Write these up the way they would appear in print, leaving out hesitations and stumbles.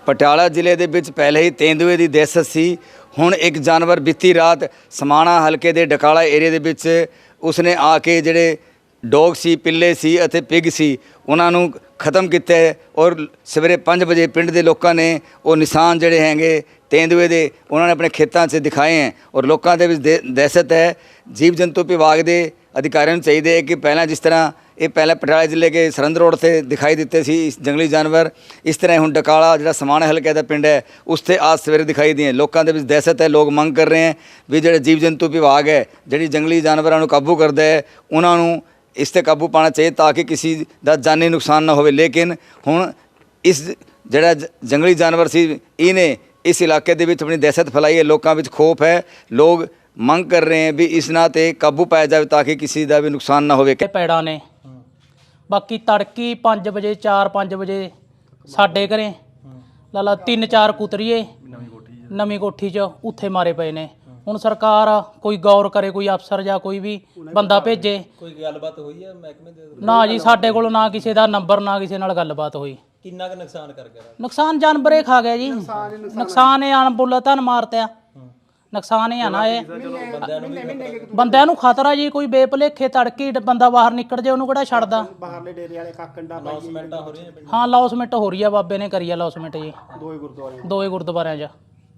ਪਟਿਆਲਾ ਜ਼ਿਲ੍ਹੇ ਦੇ ਵਿੱਚ ਪਹਿਲੇ ਹੀ ਤੇਂਦੂਏ ਦੀ ਦਹਿਸ਼ਤ ਸੀ। ਹੁਣ ਇੱਕ ਜਾਨਵਰ ਬੀਤੀ ਰਾਤ ਸਮਾਣਾ ਹਲਕੇ ਦੇ ਡਕਾਲਾ ਏਰੀਆ ਦੇ ਵਿੱਚ ਉਸਨੇ ਆ ਕੇ ਜਿਹੜੇ ਡੌਗ ਸੀ, ਪਿੱਲੇ ਸੀ ਅਤੇ ਪਿਗ ਸੀ, ਉਹਨਾਂ ਨੂੰ ਖਤਮ ਕੀਤਾ ਔਰ ਸਵੇਰੇ 5 ਵਜੇ ਪਿੰਡ ਦੇ ਲੋਕਾਂ ਨੇ ਉਹ ਨਿਸ਼ਾਨ ਜਿਹੜੇ ਹੈਗੇ ਤੇਂਦੂਏ ਦੇ ਉਹਨਾਂ ਨੇ ਆਪਣੇ ਖੇਤਾਂ 'ਚ ਦਿਖਾਏ ਹੈ ਔਰ ਲੋਕਾਂ ਦੇ ਵਿੱਚ ਦਹਿਸ਼ਤ ਹੈ। ਜੀਵ ਜੰਤੂ ਵਿਭਾਗ ਦੇ ਅਧਿਕਾਰੀਆਂ ਨੂੰ ਚਾਹੀਦੇ ਹੈ ਕਿ ਪਹਿਲਾਂ ਜਿਸ ਤਰ੍ਹਾਂ ਇਹ ਪਹਿਲਾਂ ਪਟਿਆਲਾ ਜ਼ਿਲ੍ਹੇ के सरहद रोड से दिखाई देते सी जंगली जानवर, इस तरह हुण डकाला जिहड़ा समाणे हल्के का पिंड है उस ते आज सवेरे दिखाई दिए। लोगों के दहशत है, लोग मंग कर रहे हैं भी जिहड़े जीव जंतु विभाग है जिहड़ी जंगली जानवरों को काबू करता है उन्होंने इस ते काबू पाना चाहिए ताकि किसी का जानी नुकसान ना हो। लेकिन हुण इस जिहड़ा जंगली जानवर सी इहने इस इलाके दे विच अपनी दहशत फैलाई है, लोगों में खौफ है, लोग ਮੰਗ कर रहे हैं भी इस ना ते काबू पाया जाए ताकि किसी का भी नुकसान ना होवे। पैड़ा ने बाकी तड़की 5 बजे 4-5 बजे साडे घरें ला 3-4 कुतरीए नवीं कोठी च उत्थे मारे पे ने। हुण सरकार कोई गौर करे, कोई अफसर या कोई भी बंदा भेजे। कोई गलबात हुई है महकमे दे ना जी, साडे कोल ना किसी दा नंबर ना किसी नाल गलबात हुई। किन्ना क नुकसान कर गया? नुकसान जानवरे खा गया जी, नुकसान है अनबुलता मारता नुकसान है ना। ये बंदिਆਂ ਨੂੰ ਖਤਰਾ ਜੀ, ਕੋਈ ਬੇਭਲੇਖੇ ਤੜਕੀ ਬੰਦਾ ਬਾਹਰ ਨਿਕਲ ਜੇ ਉਹਨੂੰ ਕਿਹੜਾ ਛੱਡਦਾ। ਬਾਹਰਲੇ ਡੇਰੇ ਵਾਲੇ ਕਾਕੰਡਾ ਪਾਈ ਹਾਂ ਲੌਸਮੈਂਟ ਹੋ ਰਹੀ ਆ, ਬਾਬੇ ਨੇ ਕਰੀ ਆ ਲੌਸਮੈਂਟ ਜੀ ਦੋਏ ਗੁਰਦੁਆਰਿਆਂ 'ਚ।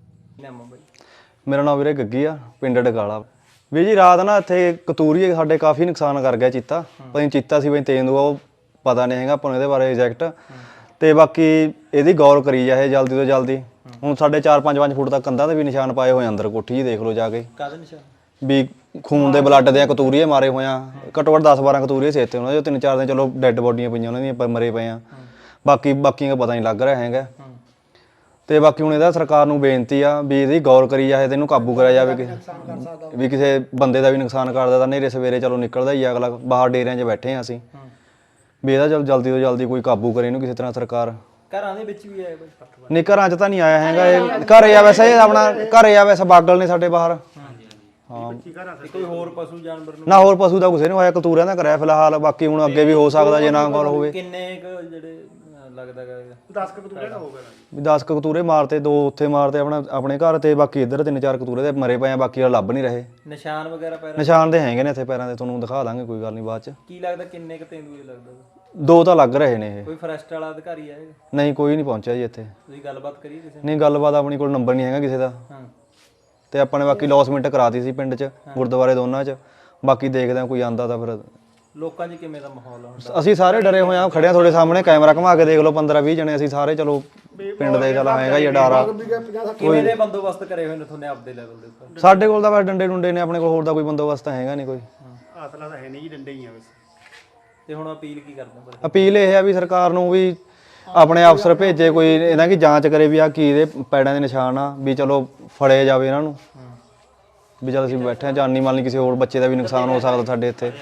ਮੇਰਾ ਨਾਮ ਵੀਰੇ ਗੱਗੀ ਆ, ਪਿੰਡ ਡਕਾਲਾ। ਵੀ ਜੀ ਰਾਤ ਨਾ ਇੱਥੇ ਕਤੂਰੀਏ ਸਾਡੇ ਕਾਫੀ ਨੁਕਸਾਨ ਕਰ ਗਿਆ ਚੀਤਾ। ਪਤਾ ਨਹੀਂ ਚੀਤਾ ਸੀ ਬਈ ਤੇਂਦੂਆ, ਉਹ ਪਤਾ ਨਹੀਂ ਹੈਗਾ ਆਪਾਂ ਨੂੰ ਇਹਦੇ ਬਾਰੇ ਐਗਜ਼ੈਕਟ। ਤੇ ਬਾਕੀ ਇਹਦੀ ਗੌਰ ਕਰੀ ਜਾਏ ਜਲਦੀ ਤੋਂ ਜਲਦੀ। ਹੁਣ ਸਾਡੇ 4-5 ਫੁੱਟ ਤੱਕ ਕੰਧਾਂ ਤੇ ਵੀ ਨਿਸ਼ਾਨ ਪਾਏ ਹੋਏ ਅੰਦਰ ਕੋਠੀ ਜੀ, ਦੇਖ ਲਓ ਜਾ ਕੇ। ਕਾਹਦੇ ਨਿਸ਼ਾਨ? ਵੀ ਖੂਨ ਦੇ ਬਲੱਡ ਦੇ ਕਤੂਰੀਏ ਮਾਰੇ ਹੋਏ ਆ, ਘੱਟੋ ਘੱਟ 10-12 ਕਤੂਰੀਏ ਸੀ ਇੱਥੇ ਉਹਨਾਂ ਦੇ। 3-4 ਦਿਨ ਚਲੋ ਡੈੱਡ ਬੋਡੀਆਂ ਪਈਆਂ ਉਹਨਾਂ ਦੀਆਂ, ਮਰੇ ਪਏ ਆ। ਬਾਕੀਆਂ ਦਾ ਪਤਾ ਨਹੀਂ ਲੱਗ ਰਿਹਾ ਹੈਗਾ। ਤੇ ਬਾਕੀ ਹੁਣ ਇਹਦਾ ਸਰਕਾਰ ਨੂੰ ਬੇਨਤੀ ਆ ਵੀ ਇਹਦੀ ਗੌਰ ਕਰੀ ਜਾਏ ਤੇ ਇਹਨੂੰ ਕਾਬੂ ਕਰਿਆ ਜਾਵੇ ਵੀ ਕਿਸੇ ਬੰਦੇ ਦਾ ਵੀ ਨੁਕਸਾਨ ਕਰਦਾ ਤਾਂ ਨੇਰੇ ਸਵੇਰੇ ਚਲੋ ਨਿਕਲਦਾ ਹੀ ਅਗਲਾ। ਬਾਹਰ ਡੇਰਿਆਂ 'ਚ ਬੈਠੇ ਆ ਅਸੀਂ, ਵੀ ਇਹਦਾ ਚਲ ਜਲਦੀ ਤੋਂ ਜਲਦੀ ਕੋਈ ਕਾਬੂ ਕਰੇ ਇਹਨੂੰ ਕਿਸੇ ਤਰ੍ਹਾਂ ਸਰਕਾਰ। ਘਰਾਂ ਦੇ ਵਿੱਚ ਵੀ ਆਇਆ ਕੋਈ? ਨਹੀਂ ਘਰਾਂ 'ਚ ਤਾਂ ਨਹੀਂ ਆਇਆ ਹੈਗਾ। ਇਹ ਘਰੇ ਆ ਵੈਸੇ, ਇਹ ਆਪਣਾ ਘਰੇ ਆ ਵੈਸੇ, ਬਾਗਲ ਨੇ ਸਾਡੇ ਬਾਹਰ। ਹਾਂ ਕੋਈ ਹੋਰ ਪਸ਼ੂ ਜਾਨਵਰ ਨੂੰ? ਨਾ ਹੋਰ ਪਸ਼ੂ ਦਾ ਕਿਸੇ ਨੂੰ ਹੋਇਆ, ਕਤੂਰਿਆਂ ਦਾ ਕਰਿਆ ਫਿਲਹਾਲ। ਬਾਕੀ ਹੁਣ ਅੱਗੇ ਵੀ ਹੋ ਸਕਦਾ ਜੇ ਨਾ ਗੌਰ ਹੋਵੇ। ਕਿੰਨੇ ਜਿਹੜੇ ਲੱਗਦਾ 10 ਕਤੂਰੇ ਦਾ ਹੋ ਗਿਆ? 10 ਕਤੂਰੇ ਮਾਰਤੇ, 2 ਉੱਥੇ ਮਾਰਤੇ ਆਪਣੇ ਘਰ ਤੇ, ਬਾਕੀ ਇੱਧਰ 3-4 ਕਤੂਰੇ ਦੇ ਮਰੇ ਪਏ ਆ, ਬਾਕੀ ਲੱਭ ਨਹੀਂ ਰਹੇ। ਨਿਸ਼ਾਨ ਵਗੈਰਾ ਪੈਰਾਂ? ਨਿਸ਼ਾਨ ਦੇ ਹੈਗੇ ਨੇ ਇੱਥੇ ਪੈਰਾਂ ਦੇ, ਤੁਹਾਨੂੰ ਦਿਖਾ ਦਾਂਗੇ, ਕੋਈ ਗੱਲ ਨਹੀਂ ਬਾਅਦ 'ਚ। ਕੀ ਲੱਗਦਾ ਕਿੰਨੇ ਕ ਤੇਂਦੂਏ ਲੱਗਦਾ? 2 ਤਾਂ ਲੱਗ ਰਹੇ ਨੇ ਇਹ। ਕੋਈ ਫੋਰੈਸਟ ਵਾਲਾ ਅਧਿਕਾਰੀ ਆਏਗਾ? ਨਹੀਂ, ਕੋਈ ਨਹੀਂ ਪਹੁੰਚਿਆ ਜੀ ਇੱਥੇ। ਤੁਸੀਂ ਗੱਲਬਾਤ ਕਰੀ ਕਿਸੇ? ਨਹੀਂ ਗੱਲਬਾਤ ਆਪਣੀ ਕੋਲ ਨੰਬਰ ਨਹੀਂ ਹੈਗਾ ਕਿਸੇ ਦਾ। ਤੇ ਆਪਾਂ ਨੇ ਬਾਕੀ ਲੌਸਮੈਂਟ ਕਰਾਤੀ ਸੀ ਪਿੰਡ 'ਚ, ਗੁਰਦੁਆਰੇ ਦੋਨਾਂ 'ਚ। ਬਾਕੀ ਦੇਖਦੇ ਆ ਕੋਈ ਆਂਦਾ ਤਾਂ ਫਿਰ। ਲੋਕਾਂ 'ਚ ਕਿਵੇਂ ਦਾ ਮਾਹੌਲ ਆ? ਅਸੀਂ ਸਾਰੇ ਡਰੇ ਹੋਏ ਆ, ਖੜਿਆ ਤੁਹਾਡੇ ਸਾਹਮਣੇ, ਕੈਮਰਾ ਘੁਮਾ ਕੇ ਦੇਖ ਲਓ। 15-20 ਜਣੇ ਅਸੀਂ ਸਾਰੇ, ਚਲੋ ਪਿੰਡ ਦੇ ਚੱਲ ਆਏਗਾ ਹੀ ਡਾਰਾ। ਕਿਵੇਂ ਦੇ ਬੰਦੋਬਸਤ ਕਰੇ ਹੋਏ ਨੇ ਤੁਹਾਨੇ ਆਪਦੇ ਲੈਵਲ ਦੇ ਉੱਤੇ? ਸਾਡੇ ਕੋਲ ਤਾਂ ਬਸ ਡੰਡੇ ਡੁੰਡੇ ਨੇ ਆਪਣੇ ਕੋਲ, ਹੋਰ ਦਾ ਕੋਈ ਬੰਦੋਬਸਤ ਤਾਂ ਹੈਗਾ ਨਹੀਂ ਕੋਈ। ਅਸਲਾ ਤਾਂ ਹੈ ਨਹੀਂ ਜੀ, ਡੰਡੇ ਹੀ ਆ ਬਸ। ਤੇ ਹੁਣ ਅਪੀਲ ਕੀ ਕਰਦੇ? ਅਪੀਲ ਇਹ ਹੈ ਵੀ ਸਰਕਾਰ ਨੂੰ ਵੀ ਆਪਣੇ ਅਫਸਰ ਭੇਜੇ, ਕੋਈ ਇਹਨਾਂ ਦੀ ਜਾਂਚ ਕਰੇ ਵੀ ਆ ਕੀ ਇਹਦੇ ਪੈੜਾਂ ਦੇ ਨਿਸ਼ਾਨ ਆ, ਵੀ ਚਲੋ ਫੜੇ ਜਾਵੇ ਇਹਨਾਂ ਨੂੰ। ਵੀ ਜਦ ਅਸੀਂ ਬੈਠੇ ਆ, ਜਾਨੀ ਮਾਲ ਨਹੀਂ, ਕਿਸੇ ਹੋਰ ਬੱਚੇ ਦਾ ਵੀ ਨੁਕਸਾਨ ਹੋ ਸਕਦਾ ਸਾਡੇ ਇੱਥੇ।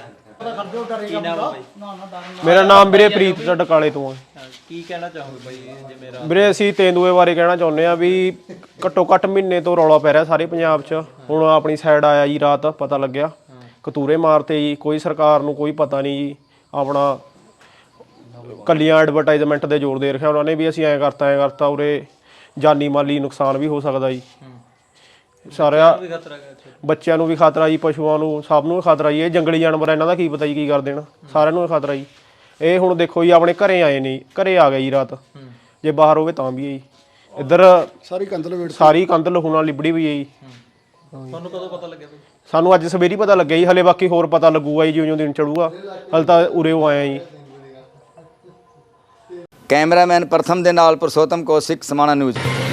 ਮੇਰਾ ਨਾਮ ਵੀਰੇ ਪ੍ਰੀਤ ਡਕਾਲੇ ਤੋਂ ਹੈ। ਕੀ ਕਹਿਣਾ ਚਾਹੋਗੇ ਬਾਈ ਜਿਵੇਂ ਵੀਰੇ? ਅਸੀਂ ਤੇਂਦੂਏ ਬਾਰੇ ਕਹਿਣਾ ਚਾਹੁੰਦੇ ਆ ਵੀ ਘੱਟੋ ਘੱਟ ਮਹੀਨੇ ਤੋਂ ਰੌਲਾ ਪੈ ਰਿਹਾ ਸਾਰੇ ਪੰਜਾਬ 'ਚ। ਹੁਣ ਆਪਣੀ ਸਾਈਡ ਆਇਆ ਜੀ, ਰਾਤ ਪਤਾ ਲੱਗਿਆ ਕਤੂਰੇ ਮਾਰਤੇ ਜੀ। ਕੋਈ ਸਰਕਾਰ ਨੂੰ ਕੋਈ ਪਤਾ ਨਹੀਂ ਜੀ, ਆਪਣਾ ਕੱਲੀਆਂ ਐਡਵਰਟਾਈਜ਼ਮੈਂਟ ਦੇ ਜ਼ੋਰ ਦੇ ਰੱਖਿਆ ਉਹਨਾਂ ਨੇ ਵੀ ਅਸੀਂ ਐਂ ਕਰਤਾ ਉਰੇ ਜਾਨੀ ਮਾਲੀ ਨੁਕਸਾਨ ਵੀ ਹੋ ਸਕਦਾ ਜੀ। ਸਾਰਿਆਂ ਬੱਚਿਆਂ ਨੂੰ ਵੀ ਖਤਰਾ ਜੀ, ਪਸ਼ੂਆਂ ਨੂੰ, ਸਭ ਨੂੰ ਖਤਰਾ ਜੀ। ਇਹ ਜੰਗਲੀ ਜਾਨਵਰ ਇਹਨਾਂ ਦਾ ਕੀ ਪਤਾ ਜੀ ਕੀ ਕਰ ਦੇਣ, ਸਾਰਿਆਂ ਨੂੰ ਖਤਰਾ ਜੀ। ਇਹ ਹੁਣ ਦੇਖੋ ਜੀ ਆਪਣੇ ਘਰੇ ਆਏ ਨੇ, ਘਰੇ ਆ ਗਏ ਜੀ ਰਾਤ। ਜੇ ਬਾਹਰ ਹੋਵੇ ਤਾਂ ਵੀ ਹੈ ਜੀ। ਇੱਧਰ ਸਾਰੀ ਕੰਧ ਲਹੂ ਨਾਲ ਲਿਬੜੀ ਵੀ ਹੈ ਜੀ। ਤੁਹਾਨੂੰ ਕਦੋਂ ਪਤਾ ਲੱਗਿਆ? ਸਾਨੂੰ ਅੱਜ ਸਵੇਰੇ ਪਤਾ ਲੱਗਿਆ ਜੀ, ਹਲੇ ਬਾਕੀ ਹੋਰ ਪਤਾ ਲੱਗੂਗਾ ਜੀ ਜਿਉਂ ਦਿਨ ਚੜੂਗਾ। ਹਲੇ ਤਾਂ ਉਰੇ ਉਹ ਆਇਆ ਜੀ। ਕੈਮਰਾਮੈਨ ਪ੍ਰਥਮ ਦੇ ਨਾਲ ਪੁਰਸ਼ੋਤਮ ਕੌਸ਼ਿਕ, ਸਮਾਣਾ ਨਿਊਜ਼।